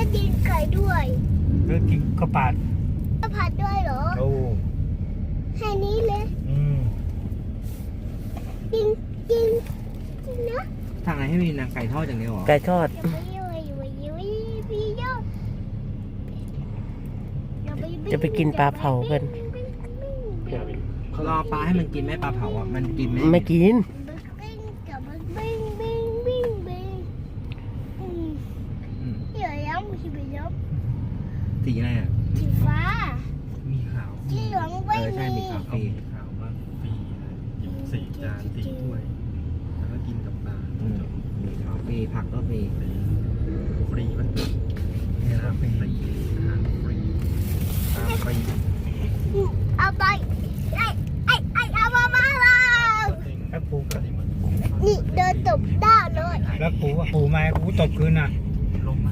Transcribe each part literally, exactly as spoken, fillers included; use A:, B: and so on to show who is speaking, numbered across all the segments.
A: กินไก่ด้วย
B: แล้วกินข้าวผัด
A: ข้าวผัดด้วยเหรอ
B: โอ้
A: แค่นี้เลย
B: อืม
A: กินกินกินนะ
C: ทางไหนให้มีนางไก่ทอดอย่างเดียวเหรอ
D: ไก่ทอดจะไปกินปลาเผากัน
C: รอปลาให้มันกินไหมปลาเผาอ่ะมันกินไหม
D: ไม่กิน
C: สีอะไรอ่ะ
A: สีฟ้า
B: มีขาว
A: สีเหลืองไม่
C: มีใช่มีขาวฟรี
B: ขาวว่าฟรีหยิบสี่จานสี่ถ้วยแล้วก็กินกับปลา
C: มีขาวฟรีผักก็ฟรี
B: ฟรีมันนี่นะฟรีอาหารฟรีตามฟรี
A: เอาไปไอ้ไอ้ไอ้เอามามาแล้ว
B: แล้วปูกัน
A: นี่เดินตบด้าเลย
B: แล้วปูอ่ะปูมาปูตบคืนน่ะลงมา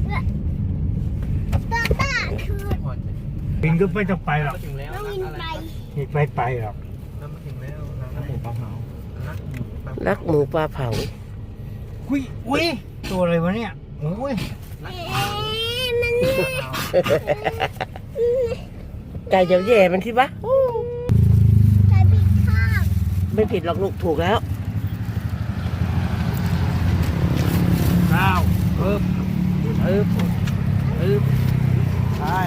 A: ตบด้าคือ
B: ปิงก็ไม่ต้องไปหรอก
A: ไม่วินไป
B: นี่ไปไปหรอก
C: แล้วมาถึงแล้วรักหมูปลาเผา
D: รักหมูปลาเผา
B: อุ้ยอุ้ยตัวอะไรวะเนี่ยโอ้ย
A: มันเนี่ย
D: ไก่เดี๋ยวแย่มันที่ปะ
A: ไก่ผิดข้าง
D: ไม่ผิดหรอกลูกถูกแล้ว
B: ข้าวเอิบเอิบเอิบใช่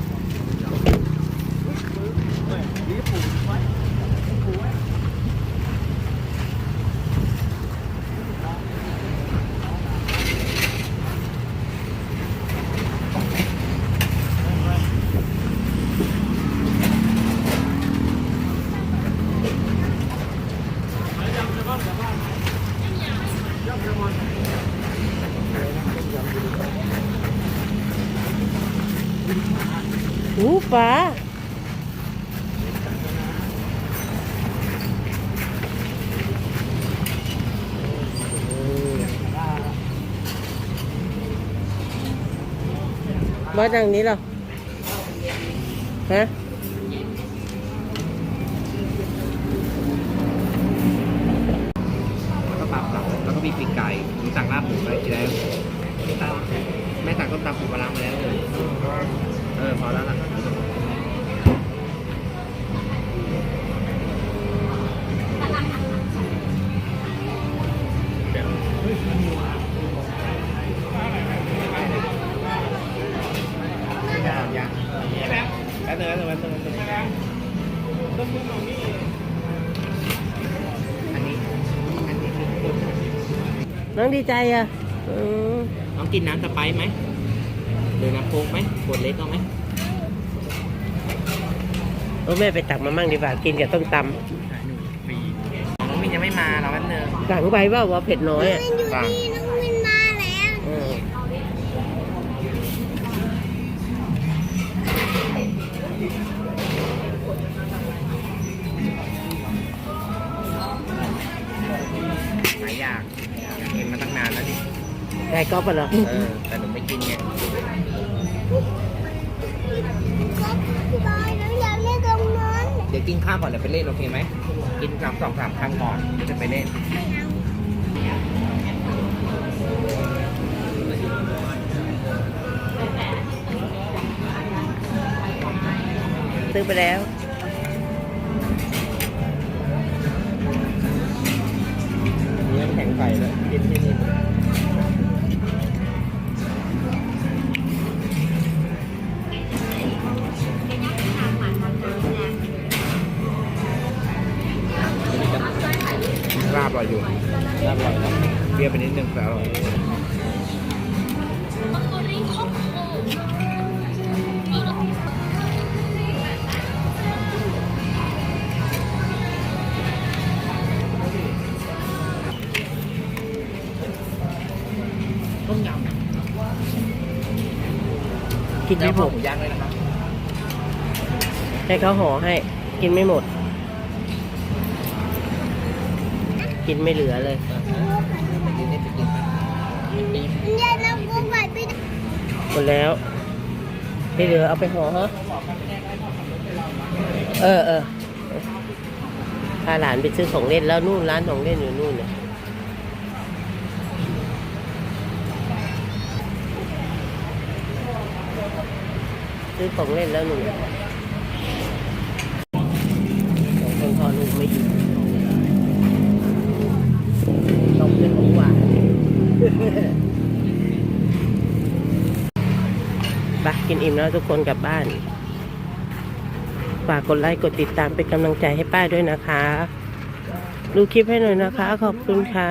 D: หูปลาว่าดังนี้เหรอฮะ
C: แล้วก็ปลาเผาแล้วก็มีปีกไก่ผมสั่งลาบหมูไปกินแล้วแม่สั่งต้มตำปูปลาร้ามาแล้วเลยเออพอแล้วล่ะแป๊บนึงแป๊บนึงแป๊บนึงแป๊บนึงอันนี้อันนี้คือคน
D: น้องดีใจอ่ะ
C: น้องกินน้ำสไปซ์ไหมหรือน้ำโค้กไหมขวดเล็กเอาไหม
D: โอ้แม่ไปตักมามั่งดีกว่ากินกับต้มตำ
C: น้องมินยังไม่มาเราแป๊บนึง
D: สั่งไปว่าว่าเผ็ดน้อยอ่ะ
A: น้องมินน้องมินมาแล้ว
C: หายอยากอยากกินมาตั้งนานแล้วดิ
D: ไก่ก๊อปเหรอ
C: เออแต่หนูไม่กินไงเดี๋ยวกินข้าวก่อนเดี๋ยวไปเล่นโอเคไหมกินสามสองสามครั้งก่อนจะไปเล่น
D: ซื้อไปแล้ว
C: เนื้อแข็งไก่แล้วกินที่นี่ลาบอร่อยอยู่ลาบอร่อยนะเปรี้ยวไปนิดนึงแต่อร่อยต้มยำ
D: กินไม่หมด
C: หมูย่างเลยนะครับ
D: ให้เขาห่อให้กินไม่หมดกินไม่เหลือเลยหมดแล้วไม่เหลือเอาไปห่อฮะเออเออพาหลานไปซื้อของเล่นแล้วนู่นร้านของเล่นอยู่นู่นเนี่ยซื้อของเล่นแล้วหนูสองคนพอลูกไม่อยู่นมเป็นของหวานไปกินอิ่มแล้วทุกคนกลับบ้านฝากกดไลค์กดติดตามเป็นกำลังใจให้ป้าด้วยนะคะดูคลิปให้หน่อยนะคะขอบคุณค่ะ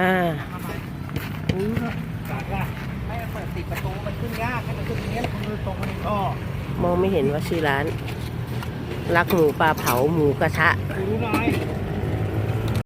C: ไม่เปิดติดประตูมันขึ้นยากให้มันขึ้นตรงนี้มันตรงมันก็
D: มองไม่เห็นว่าชื่อร้าน รักหมูปลาเผาหมูกระทะ
C: ดูหน่อย